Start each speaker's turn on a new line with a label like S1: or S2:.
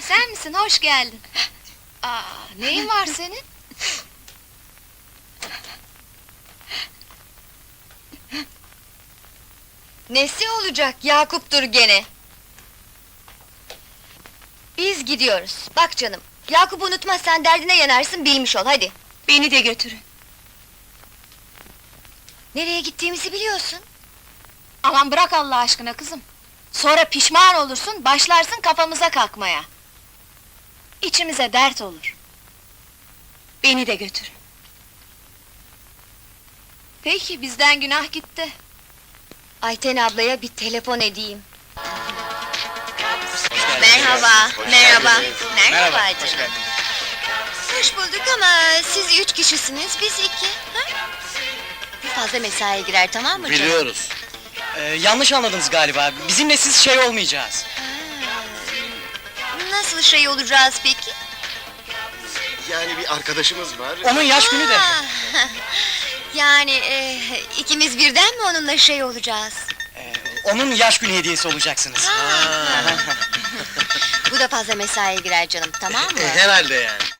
S1: sen misin? Hoş geldin. Neyin var senin?
S2: Nesi olacak, Yakup'tur gene! Biz gidiyoruz, bak canım! Yakup'u unutmazsan derdine yanarsın, bilmiş ol, hadi!
S1: Beni de götürün.
S2: Nereye gittiğimizi biliyorsun!
S1: Aman bırak Allah aşkına kızım! Sonra pişman olursun, başlarsın kafamıza kalkmaya! İçimize dert olur! Beni de götürün! Peki, bizden günah gitti!
S2: Ayten ablaya bir telefon edeyim.
S3: geldiniz.
S2: Merhaba,
S3: Hoş
S2: merhaba!
S3: geldiniz.
S2: Merhaba
S3: Hoş
S2: canım!
S3: geldiniz.
S2: Hoş bulduk ama siz 3 kişisiniz, biz 2, ha? Bir fazla mesaiye girer, tamam mı canım?
S3: Biliyoruz.
S4: Yanlış anladınız galiba. Bizimle siz şey olmayacağız.
S2: Nasıl şey olacağız peki?
S5: Yani bir arkadaşımız var.
S4: Onun yaş günü de.
S2: Ah, yani ikimiz birden mi onunla şey olacağız?
S4: Onun yaş günü hediyesi olacaksınız.
S2: Bu da fazla mesaiye girer canım, tamam mı?
S5: Herhalde yani.